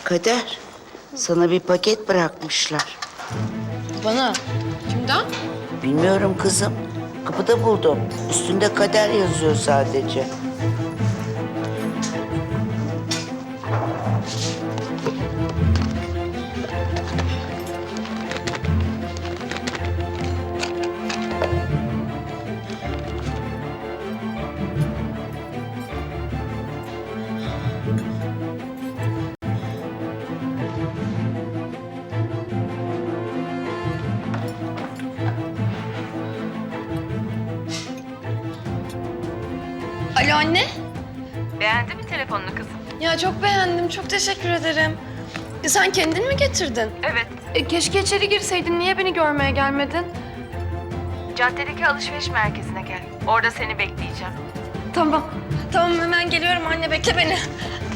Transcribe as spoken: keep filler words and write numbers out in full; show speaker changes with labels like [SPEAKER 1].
[SPEAKER 1] Kader, sana bir paket bırakmışlar.
[SPEAKER 2] Bana. Kimden?
[SPEAKER 1] Bilmiyorum kızım. Kapıda buldum. Üstünde Kader yazıyor sadece.
[SPEAKER 2] Alo anne.
[SPEAKER 3] Beğendin mi telefonunu kızım?
[SPEAKER 2] Ya çok beğendim. Çok teşekkür ederim. E, sen kendin mi getirdin?
[SPEAKER 3] Evet.
[SPEAKER 2] E, keşke içeri girseydin. Niye beni görmeye gelmedin?
[SPEAKER 3] Caddedeki alışveriş merkezine gel. Orada seni bekleyeceğim.
[SPEAKER 2] Tamam. Tamam hemen geliyorum anne. Bekle beni.